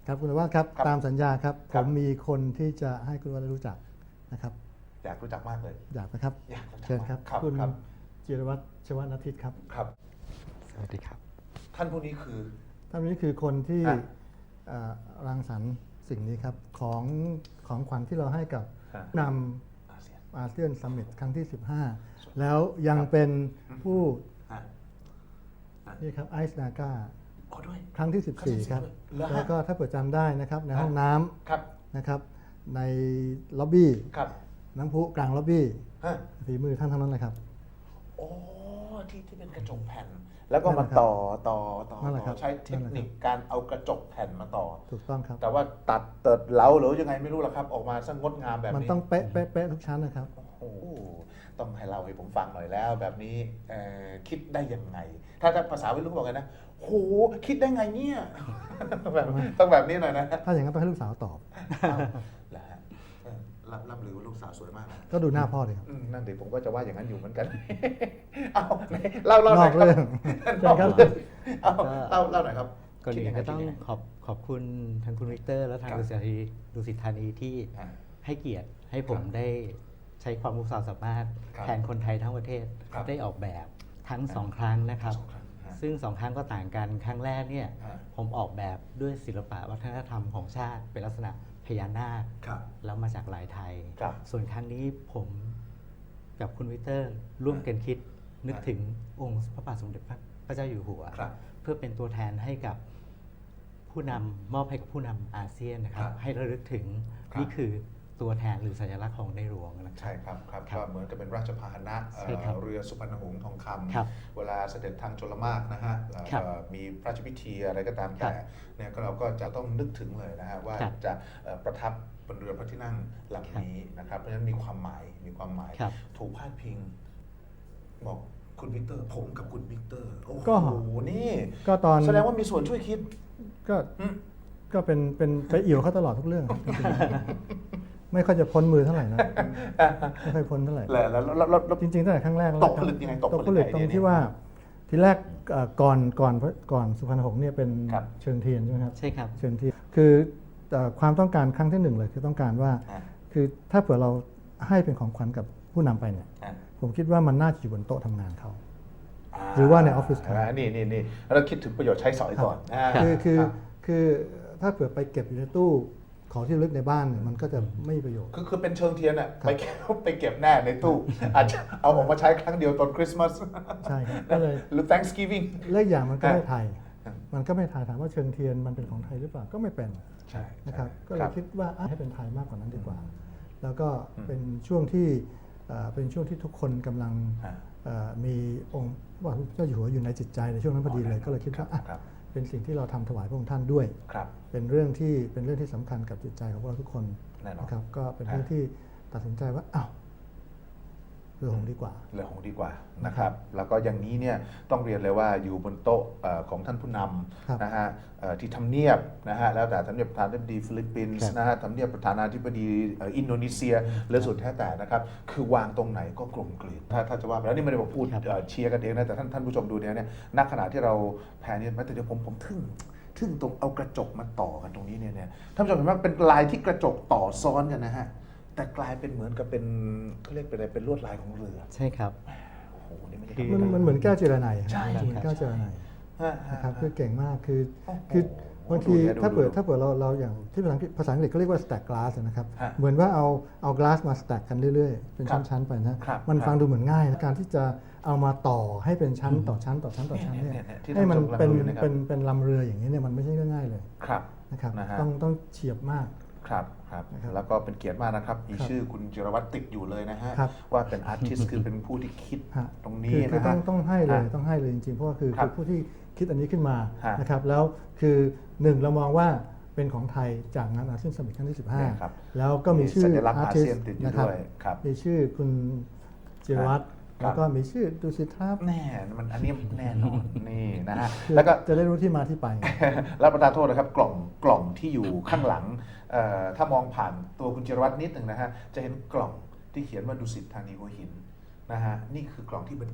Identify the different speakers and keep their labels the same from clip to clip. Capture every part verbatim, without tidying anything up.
Speaker 1: ครับคุณวัฒน์ครับ
Speaker 2: ครับ
Speaker 1: ตามสัญญาครับ
Speaker 2: ค
Speaker 1: ผ
Speaker 2: รับ
Speaker 1: มมีคนที่จะให้คุณวัฒน์รู้จักนะครับ
Speaker 2: อยากรู้จักมากเลย
Speaker 1: อยากนะครับ
Speaker 2: อยากรู้จัก
Speaker 1: เชิญครับ
Speaker 2: ครับ
Speaker 1: คุณ
Speaker 2: ครับ
Speaker 1: จิรวัตรชวนาทิตครับ
Speaker 2: ครับ
Speaker 3: สวัสดีครับ
Speaker 2: ท่านผู้นี้คือ
Speaker 1: ท่านนี้คือคนที่
Speaker 2: อ่ะ
Speaker 1: เอ่อรังสรรค์สิ่งนี้ครับของของขวัญที่เราให้กับ
Speaker 2: อ่ะ
Speaker 1: น
Speaker 2: อาเซียน
Speaker 1: ำอาเซียนซัมมิตครั้งที่ สิบห้า แล้วยังเป็นผู้
Speaker 2: อ่ะ
Speaker 1: นี่ครับไอซ์นาก้า
Speaker 2: ขอด้วย
Speaker 1: ครั้งที่ สิบสี่
Speaker 2: ครั้
Speaker 1: ค
Speaker 2: ง
Speaker 1: รับ
Speaker 2: ที่สิบสี่ด้วยเหรอฮะ
Speaker 1: แล้วก็ถ้าเปิดจำได้นะครับในห้องน้ำ
Speaker 2: ครับ
Speaker 1: นะครับในล็อบบี้
Speaker 2: ครับ
Speaker 1: น้ำพุกลางล็อบบี้
Speaker 2: ฮะ
Speaker 1: ฝีมือท่านทั้งนั้นเลยครับ
Speaker 2: โอ้ที่ที่เป็นกระจกแผ่น แล้วก็
Speaker 1: นั่
Speaker 2: มาน
Speaker 1: แหละครับ
Speaker 2: ต่อต่อต่อ
Speaker 1: นั่นแหละ
Speaker 2: ต่
Speaker 1: ครั
Speaker 2: อบ ใช้เทคนิค
Speaker 1: นั่นแหละครับ
Speaker 2: การเอากระจกแผ่นมาต่อ
Speaker 1: ถูกต้องครับ
Speaker 2: แต่ว่าตัดเติดเหลาหรือยังไงไม่รู้หรอกครับ ออกมาซะงดงามแบบนี้
Speaker 1: มันต้องเป๊ะเป๊ะเป๊ะทุกชั้นนะครับ
Speaker 2: โอ้โหต้องให้เราให้ผมฟังหน่อยแล้ว แบบนี้เอ่อคิดได้ยังไง ถ้าถ้าภาษาวัยรุ่นเขาบอกไงนะโหคิดได้ไงเนี่ยแบบต้องแบบนี้หน่อยนะ
Speaker 1: ถ้าอย่างนั้นต้องให้ลูกสาวตอบ
Speaker 2: อ้าวเหรอฮะเออรับรับหรือว่าลูกสาวสวยมากนะ
Speaker 1: ก็ดูหน้าพ่อเลยครับ
Speaker 2: อืมนั่นเดี๋ยวผมก็จะว่าอย่างนั้นอยู่เหมือนกัน เอาไหนเล่าเล่าน หน่
Speaker 1: อ
Speaker 2: อย
Speaker 1: ก
Speaker 2: ครับ
Speaker 1: เรื่อง
Speaker 2: นอก
Speaker 1: เชิญครับ
Speaker 2: เรื่องเอาเล่าเล่าหน่อยครับ
Speaker 3: ก่อนอื่
Speaker 2: คิดยั
Speaker 3: น
Speaker 2: งไง
Speaker 3: ก็ต้อง
Speaker 2: คิดยังไง
Speaker 3: ขอบขอบคุณทางคุณวิกเตอร์ และทาง
Speaker 2: ครับ
Speaker 3: ดุสิตธานีดุสิตธานีที่
Speaker 2: อ่า
Speaker 3: ให้เกียรติให้ผม
Speaker 2: ครับ
Speaker 3: ได้ใช้ความรู้ความสามารถ
Speaker 2: ครับ
Speaker 3: แทนคนไทยทั้งประเทศ
Speaker 2: ครับ
Speaker 3: ได้ออกแบบทั้งสองครั้งนะครับ
Speaker 2: สองครั้งฮะ
Speaker 3: ซึ่งสองครั้งก็ต่างกันครั้งแรกเนี่ย
Speaker 2: ฮะ
Speaker 3: ผมออกแบบด้วยศิลปะวัฒนธรรมของชาติ เป็นลักษณะพญานาค
Speaker 2: ครับ
Speaker 3: แล้วมาจากลายไทย
Speaker 2: ครับ
Speaker 3: ส่วนครั้งนี้ผมกับคุณวิกเตอร์ ร่วมกันคิดนึก
Speaker 2: ฮะ
Speaker 3: ถึงองค์พระบาทสมเด็จพระเจ้าอยู่หัว
Speaker 2: ครับ
Speaker 3: เพื่อเป็นตัวแทนให้กับผู้นำมอบให้กับผู้นำอาเซียนนะครับ
Speaker 2: ครับ
Speaker 3: ให้ระลึกถึง
Speaker 2: ครับ
Speaker 3: นี่คือตัวแทนหรือสัญลักษณ์ของในหลวงนะครับ
Speaker 2: ใช่ครับครับ
Speaker 3: ครับ
Speaker 2: ก็เหมือนกับเป็นราชพาหนะเอ่อ
Speaker 3: ใช่ครับ
Speaker 2: เรือสุพรรณหงส์ทองค
Speaker 3: ครับ
Speaker 2: ำเวลาเสด็จทางชลมารนะฮะเอ่อ
Speaker 3: ครับ
Speaker 2: มีพระราชพิธีอะไรก็ตาม
Speaker 3: ครั
Speaker 2: แต่
Speaker 3: บ
Speaker 2: เนี่ยก็เราก็จะต้องนึกถึงเลยนะฮะว่า
Speaker 3: ครับ
Speaker 2: จะเอ่อประทับบนเรือพระที่นั่งลำนี้นะครับเพราะฉะนั้นมีความหมายมีความหมาย
Speaker 3: ครับ
Speaker 2: ถูกพาดพิง บอกคุณวิกเตอร์ ผมกับคุณวิกเตอร์โอ้
Speaker 1: ก็
Speaker 2: โหนี่
Speaker 1: ก็ตอน
Speaker 2: แสดงว่ามีส่วนช่วยคิด
Speaker 1: ก็
Speaker 2: อืม
Speaker 1: ก็เป็นเป็นไปเอี่ยวเขาตลอดทุกเรื่องจริงๆไม่ค่อยจะพ้นมือเท่าไหร่นะไม่ค่อยพ้นเท่าไหร่
Speaker 2: แล้วแล้วแล้วแล้วแล้ว
Speaker 1: จริงๆตั้งแต่ครั้งแรกแล้ว
Speaker 2: ตกผลึกยังไงตกผลึก
Speaker 1: ตกผลึก
Speaker 2: ไอ
Speaker 1: ตร
Speaker 2: เดีย
Speaker 1: ง
Speaker 2: นี้
Speaker 1: ที่ว่าทีแรกเอ่อก่อนก่อนก่อนสุพรรณหงส์เนี่ยเป็น
Speaker 2: ครับ
Speaker 1: เชิงเทียนใช่ไหมครับ
Speaker 3: ใช่ครับ
Speaker 1: เชิงเทียนคือเอ่อความต้องการครั้งที่หนึ่งเลยคือต้องการว่า
Speaker 2: อ่ะ
Speaker 1: คือถ้าเผื่อเราให้เป็นของขวัญกับผู้นำไปเนี่ย
Speaker 2: อ่ะ
Speaker 1: ผมคิดว่ามันน่าจะอยู่บนโต๊ะทำงานเขา หรือว่าในออฟฟิศ
Speaker 2: านี่นี่นี่เราคิดถึงประโยชน์ใช้สอยก่อนอ่า
Speaker 1: คือคือ
Speaker 2: รับ
Speaker 1: คือถ้าเผื่อไปเก็บอยู่ในตู้ของที่ระลึกในบ้านเนี่ยมันก็จะไม่มีประโยชน์
Speaker 2: คือคือเป็นเชิงเทียนอะไปเก็บไปเก็บแน่ในตู้ อาจจะเอาออกมาใช้ครั้งเดียวตอนคริสต์มาส
Speaker 1: ใช่ครับก็เลย
Speaker 2: หรือ Thanksgiving
Speaker 1: เลขอย่างมันก็ไม่
Speaker 2: อ่ะ
Speaker 1: ไทย
Speaker 2: อ่ะ
Speaker 1: มันก็ไม่ไทยถามว่าเชิงเทียนมันเป็นของไทยหรือเปล่าก็ไม่เป็น
Speaker 2: ใช่
Speaker 1: นะครับ
Speaker 2: ใช่
Speaker 1: ก็เลยคิดว่าอ่ะให้เป็นไทยมากกว่านั้นดีกว่า แล้วก็
Speaker 2: อืม
Speaker 1: เป็นช่วงที่เอ่อเป็นช่วงที่ทุกคนกำลัง
Speaker 2: ฮะ
Speaker 1: เอ่อมีองค์พระบาทสมเด็จเจ้าอยู่หัวอยู่ในจิตใจในช่วงนั้นพอดีเลย
Speaker 2: อ๋อ
Speaker 1: ก็เลยคิดว่าอ่ะ
Speaker 2: ครับ
Speaker 1: เป็นสิ่งที่เราทำถวายพระองค์ท่านด้วย
Speaker 2: ครับ
Speaker 1: เป็นเรื่องที่เป็นเรื่องที่สำคัญกับจิตใจของพวกเราทุกคน
Speaker 2: แน่นอน
Speaker 1: นะครับก็เป็น
Speaker 2: ฮะ
Speaker 1: เรื่องที่ตัดสินใจว่าอ้าวเรือหงส์ดีกว่า
Speaker 2: เรื่องของดีกว่านะครับ แล้วก็อย่างนี้เนี่ยต้องเรียนเลยว่าอยู่บนโต๊ะเอ่อของท่านผู้น
Speaker 1: ครับ
Speaker 2: ำนะฮะเอ่อที่ทำเนียบนะฮะแล้วแต่ทำเนียบประธานาธิบดีฟิลิปปิน
Speaker 1: ครั
Speaker 2: ส์
Speaker 1: บ
Speaker 2: นะฮะทำเนียบประธานาธิบดีเอ่ออินโดนีเซียหรือสุดแท้แต่นะครับ คือวางตรงไหนก็กลมกลืนถ้าถ้าจะว่าไปแล้วนี่ไม่ได้มาพูด
Speaker 3: ครับ
Speaker 2: เอ่อเชียร์กันเองนะแต่ท่านท่านผู้ชมดูเนี่ยเนี่ยณขณะที่เราแพนเนี่ยแม้แต่เดี๋ยวผมผมทึ่งทึ่งตรงเอากระจกมาต่อกันตรงนี้เนี่ยเนี่ยท่านผู้ชมเห็นไหมเป็นลายที่กระจกต่อซ้อนกันนะฮะแต่กลายเป็นเหมือนกับเป็นเขาเรียกเป็นอะไรเป็นลวดลายของเรือ
Speaker 3: ใช่ครับ
Speaker 2: โอ้โห นี่ไม่ใช่
Speaker 3: คือ
Speaker 2: ธรร
Speaker 1: มัน
Speaker 2: ดา
Speaker 1: มันเหมือนแก้วเจรไน
Speaker 2: ใช่
Speaker 1: เหมือนแก้วเจรไน
Speaker 2: ฮะฮะ
Speaker 1: นะครับคือเก่งมากคือ
Speaker 2: โอ้โห
Speaker 1: คือบางที
Speaker 2: ดูเนี่ยดู
Speaker 1: ถ้าเปิด
Speaker 2: ดู
Speaker 1: ถ้าเปิดเราเราอย่างที่ภาษาอังกฤษภาษาอังกฤษก็เรียกว่า stack glass นะครับ
Speaker 2: ฮะ
Speaker 1: เหมือนว่าเอาเอา glass มา stack กันเรื่อยๆ เป็น
Speaker 2: ครับ
Speaker 1: ชั้นๆไปนะครับ มัน
Speaker 2: ครับ
Speaker 1: ฟังดูเหมือนง่ายนะการที่จะเอามาต่อให้เป็นชั้นต่อชั้นต่อชั้นต่อชั้นเนี่ย
Speaker 2: เนี่ยเนี่ยที่
Speaker 1: ให้มัน
Speaker 2: ท่านผู้ชมกำลัง
Speaker 1: เป็น
Speaker 2: ดูอยู่นะครับ
Speaker 1: เป็นเป็นลำเรืออย่างนี้เนี่ยมันไม่ใช่เรื่องง่ายเลย
Speaker 2: ครับ
Speaker 1: นะครับ
Speaker 2: นะฮะ
Speaker 1: ต้องต้องเฉียบมาก
Speaker 2: ครับครับ
Speaker 1: นะครับ
Speaker 2: แล้วก็เป็นเกียรติมากนะครับ มี
Speaker 1: ครับ
Speaker 2: ชื่อคุณจิรวัตรติดอยู่เลยนะฮะ
Speaker 1: ครับ
Speaker 2: ว่าเป็นอาร์ติสต์คือเป็นผู้ที่คิด
Speaker 1: ฮะ
Speaker 2: ตรง
Speaker 1: คื
Speaker 2: นี้
Speaker 1: อคือ
Speaker 2: นะ
Speaker 1: ต้อ
Speaker 2: ฮะ
Speaker 1: งต้องให้เลย
Speaker 2: ฮะ
Speaker 1: ต้องให้เลยจริงๆเพราะว่าคือ
Speaker 2: ครั
Speaker 1: คื
Speaker 2: บ
Speaker 1: อผู้ที่คิดอันนี้ขึ้นมา
Speaker 2: ฮะ
Speaker 1: นะครับแล้วคือหนึ่งเรามองว่าเป็นของไทยจากงานอาเซียนสมิตครั้งที่สิบห้า
Speaker 2: เนี่ยครับ
Speaker 1: แล้วก็มีชื่อ
Speaker 2: สัญลักษณ์
Speaker 1: อา
Speaker 2: อา
Speaker 1: ร์ติส
Speaker 2: เซียนติดอยู่
Speaker 1: นะครับ
Speaker 2: ด้วยครับ
Speaker 1: มีชื่อคุณจิรวัตร
Speaker 2: ครับ
Speaker 1: แล้วก็มีชื่อดุสิตครับ
Speaker 2: แน่มันอันนี้แน่นอนนี่นะฮะ
Speaker 1: คือ
Speaker 2: แล้วก็
Speaker 1: จะได้รู้ที่มาที่ไป
Speaker 2: รับประทานโทษนะครับกล่องกล่องที่อยู่ข้างหลังเอ่อถ้ามองผ่านตัวคุณจิรวัตรนิดหนึ่งนะฮะจะเห็นกล่องที่เขียนว่าดุสิตธานีหัวหินนะฮะนี่คือกล่องที่บรรจุ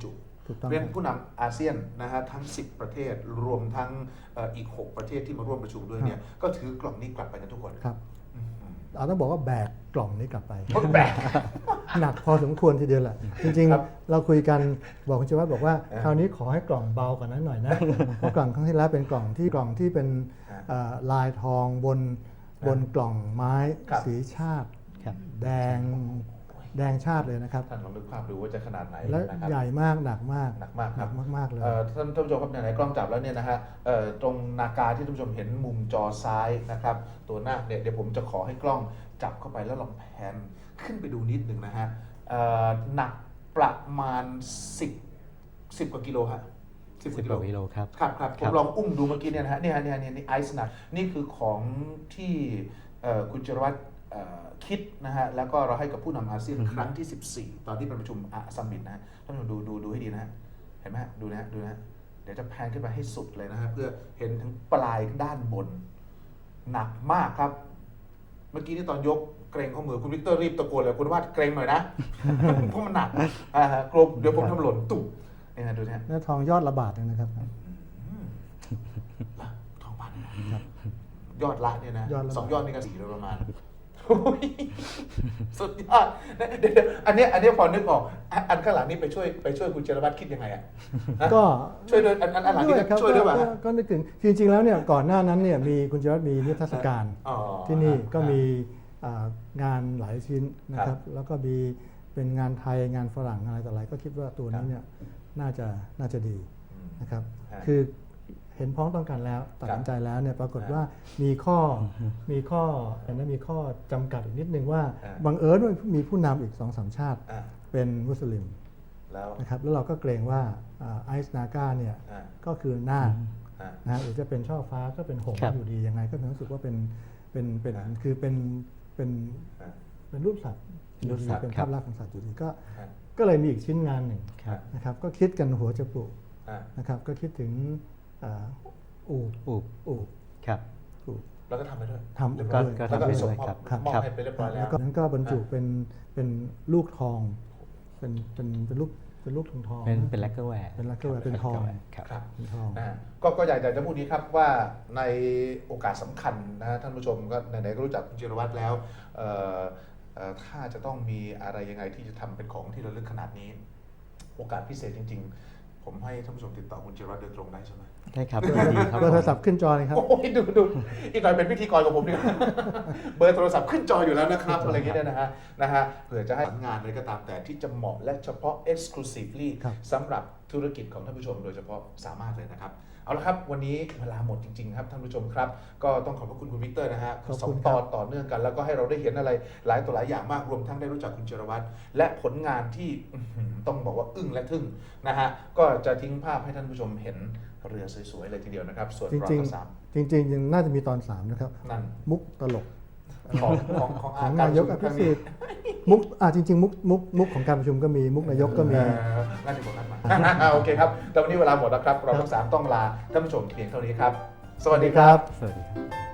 Speaker 1: ถูกต้อง
Speaker 2: เรียน
Speaker 1: ครับ
Speaker 2: ผู้นำอาเซียนนะฮะทั้ง สิบ ประเทศรวมทั้งเอ่ออีก หก ประเทศที่มาร่วมประชุมด้วยเนี่ยก็ถือกล่องนี้กลับไปกันทุกคน
Speaker 1: ครับ
Speaker 2: อืม
Speaker 1: เอาต้องบอกว่าแบกกล่องนี้กลับไป
Speaker 2: เพราะแบก
Speaker 1: หนักพอสมควรทีเดียวแหละ จริง
Speaker 2: ครับ
Speaker 1: ๆ เราคุยกันบอกคุณชวัฒน์บอกว่า
Speaker 2: เออ
Speaker 1: คราวนี้ขอให้กล่องเบากว่านั้นหน่อยนะ เพราะกล่องครั้งที่แล้วเป็นกล่องที่กล่องที่เป็น
Speaker 2: ฮะ
Speaker 1: เอ่อลายทองบนบนกล่องไม้
Speaker 2: ครับ
Speaker 1: สีชาติ
Speaker 3: ครับ
Speaker 1: แดงแดงชาติเลยนะครับ
Speaker 2: ท่านลองนึกภาพดูว่าจะขนาดไหน
Speaker 1: และ
Speaker 2: นะครับ
Speaker 1: ใหญ่มากหนักมาก
Speaker 2: หนักมากครับ
Speaker 1: หนัมากๆเลย
Speaker 2: เอ่อท่านท่านผู้ชมครับไหนๆกล้องจับแล้วเนี่ยนะฮะเอ่อตรงนากาที่ท่านผู้ชมเห็นมุมจอซ้ายนะครับตัวหน้าคเนี่ยเดี๋ยวผมจะขอให้กล้องจับเข้าไปแล้วลองแพนขึ้นไปดูนิดหนึ่งนะฮะเอ่อหนักประมาณ สิบ สิบกว่ากิโลฮะสิบก
Speaker 3: สิบ
Speaker 2: ว่ากิโล
Speaker 3: กว่ากิโลครับ
Speaker 2: ครับครับผ
Speaker 3: ครั
Speaker 2: ม
Speaker 3: บ
Speaker 2: ลองอุ้มดูเมื่อกี้เนี่ยนะฮะเนี่ยฮะเนี่ยฮะเนี่ยนี่ไอซ์หนักนี่คือของที่เอ่อคุณจรวัตรเอ่อคิดนะฮะแล้วก็เราให้กับผู้นำอาเซียนครั้งที่ สิบสี่ ตอนที่เป็นประชุมอาซัมมิตนะฮะท่านผู้ชมดูดูดูให้ดีนะฮะเห็นไหมฮะดูนะฮะดูนะฮะเดี๋ยวจะแพนขึ้นไปให้สุดเลยนะฮะเพื่อเห็นถึงปลายด้านบน หนักมากครับ เมื่อกี้นี่ตอนยกเกรงข้อมือคุณวิกเตอร์รีบตะโกนเลยคุณว่าเกรงหน่อยนะ เพราะมันหนักอ่าฮะกลมเดี๋ยวผมทำหล่นตุ่มนี่ฮะดูนะฮะ
Speaker 1: เนื้อทองยอดระบาดเลยนะครับ
Speaker 2: ละทองพันนะครับยอดละเนี่ยนะ
Speaker 1: ยอดละ
Speaker 2: สองยอดนี่ก็สี่โดยประมาณโอ้ยสุดยอดเดี๋ยวๆอันเนี้ยอันเนี้ยพอนึกออกอันอันข้างหลังนี่ไปช่วยไปช่วยคุณเจรวัตรคิดยังไงอ่ะฮะ
Speaker 1: ก็
Speaker 2: ช่วยด้วยอันอันอันหลังนี่
Speaker 1: ด้วยครับ
Speaker 2: ช่วยด้วยป่ะ
Speaker 1: ก็
Speaker 2: ฮะ
Speaker 1: ก็นึกถึงจริงๆแล้วเนี่ยก่อนหน้านั้นเนี่ยมีคุณจวัฒน์มีนิทรรศการ
Speaker 2: อ๋อ
Speaker 1: ที่นี่ก็
Speaker 2: อ่า
Speaker 1: มีอ่างานหลายชิ้นนะค
Speaker 2: ครั
Speaker 1: รับ บ แล้วก็มีเป็นงานไทยงานฝรั่งอะไรต่ออะไรก็คิดว่าตัวนี้เนี่ยน่าจะน่าจะดี
Speaker 2: อืม
Speaker 1: นะครับ
Speaker 2: ฮะ
Speaker 1: คือเห็นพ้องต้องกันแล้วตัดสินใจแล้วเนี่ยปรากฏว่ามีข้อมีข้อเห็นไหมมีข้อจำกัดอีกนิดนึงว่า
Speaker 2: อ่า
Speaker 1: บังเอิญว่ามีผู้นำอีกสองสามชาติ
Speaker 2: อ่า
Speaker 1: เป็นมุสลิม
Speaker 2: แล้ว
Speaker 1: นะครับแล้วเราก็เกรงว่าไอซ์นาก้าเนี่ย
Speaker 2: อ่า
Speaker 1: ก็คือหน้าค
Speaker 2: อ่า
Speaker 1: นะฮะหรือจะเป็นช่อฟ้าก็เป็นหงส์
Speaker 3: ครับ
Speaker 1: อยู่ดียังไงก็รู้สึกว่าเป็นเป็นเป็น
Speaker 2: อ่า
Speaker 1: คือเป็นเป็น
Speaker 2: อ่า
Speaker 1: เป็นรูปสัตว์
Speaker 3: รูปสัตว์
Speaker 1: เป็น
Speaker 3: ครั
Speaker 1: ภา
Speaker 3: บ
Speaker 1: พลักษณ์ของสัตว์อยู่ดีก็
Speaker 2: อ่า
Speaker 1: ก็เลยมีอีกชิ้นงานหนึ่ง
Speaker 3: ครับ
Speaker 1: นะครับก็คิดกันหัวจะปลุก
Speaker 2: อ่า
Speaker 1: นะครับก็คิดถึงอ่าอูฐ
Speaker 3: อูบ
Speaker 1: อูฐ
Speaker 3: ครับ
Speaker 1: อูฐ
Speaker 2: แล้วก็ทำไปด้วย
Speaker 1: ทำ
Speaker 2: เรียบ
Speaker 1: ก็
Speaker 2: ร้อย
Speaker 3: ก็
Speaker 2: แล้วก็
Speaker 3: ทำไป
Speaker 2: ส่ง
Speaker 3: ด้วย
Speaker 2: มอบ
Speaker 3: ครับ
Speaker 1: ครับ
Speaker 2: มอบ
Speaker 3: ครับ
Speaker 2: ให้ไปเรียบร้อยแล้
Speaker 1: แล้ว วก็นั้นก็บรรจุเป็นเป็นลูกทอง เป็นเป็นเป็นลูกเป็นลูกทองทอง
Speaker 3: เป็นเป็นแลกเกอร์แวร์
Speaker 1: เป็น lacquerware เป็นทอง
Speaker 3: ครับ
Speaker 2: ครับ
Speaker 1: เป็นทอง
Speaker 2: นะฮะก็ก็อยากจะพูดนี้ครับว่าในโอกาสสำคัญนะฮะท่านผู้ชมก็ไหนๆก็รู้จักคุณจิรวัตรแล้วเอ่อเอ่อถ้าจะต้องมีอะไรยังไงที่จะทำเป็นของที่ระลึกขนาดนี้ โอกาสพิเศษจริง ๆ ผมให้ท่านผู้ชมติดต่อคุณจิรวัตรโดยตรงได้ใช่ไหม
Speaker 3: ได้ครับยินดีครับ
Speaker 1: เบอร์โทรศัพท์ขึ้นจอเลยครับ
Speaker 2: โอ้ยดูดูอีกหน่อยเป็นพิธีกรกับผมดีกว่า เบอร์โทรศัพท์ขึ้นจออยู่แล้วนะครับอะไรอย่างเงี้ยนะฮะนะฮะเผื่อจะให้งานอะไรก็ตามแต่ที่จะเหมาะและเฉพาะ exclusively
Speaker 1: ครับ
Speaker 2: สำหรับธุรกิจของท่านผู้ชมโดยเฉพาะสามารถเลยนะครับ เอาละครับวันนี้เวลาหมดจริงๆครับท่านผู้ชมครับ ก็ต้องขอบพระคุณคุณวิกเตอร์นะฮะ
Speaker 1: ขอบ
Speaker 2: สอ
Speaker 1: คุ
Speaker 2: ง
Speaker 1: ณ
Speaker 2: ต
Speaker 1: ครับ
Speaker 2: อนต่อเนื่องกัน แล้วก็ให้เราได้เห็นอะไรหลายต่อหลายอย่างมากรวมทั้งได้รู้จักคุณเจรวัตรและผลงานที่อื้อหือต้องบอกว่าอึ้งและทึ่งนะฮะก็จะทิ้งภาพให้ท่านผู้ชมเห็นเรือสวยๆเลยทีเดียวนะครับ ส่วน
Speaker 1: จ
Speaker 2: รอ
Speaker 1: ริง
Speaker 2: ก็สาม
Speaker 1: ๆจริงๆยังน่าจะมีตอนสามนะครับ
Speaker 2: นั่น
Speaker 1: มุกตลก
Speaker 2: ของของของ
Speaker 1: ของ
Speaker 2: กร
Speaker 1: นายก
Speaker 2: ป
Speaker 1: อ
Speaker 2: ระชุมครั้ง
Speaker 1: ภิสิ
Speaker 2: นี้
Speaker 1: ทธิ์มุกอ่าจริงๆมุกมุกมุกของการประชุมก็มีมุกนายกก็มี
Speaker 2: เอ่องั้นเดี๋ยวผมนัดมา โอเคครับแต่วันนี้เวลาหมดแล้วครับ เราทั้งสามต้องลาท่านผู้ชมเพียงเท่านี้ครับ สวัสดีครับ
Speaker 3: สวัสดีครับ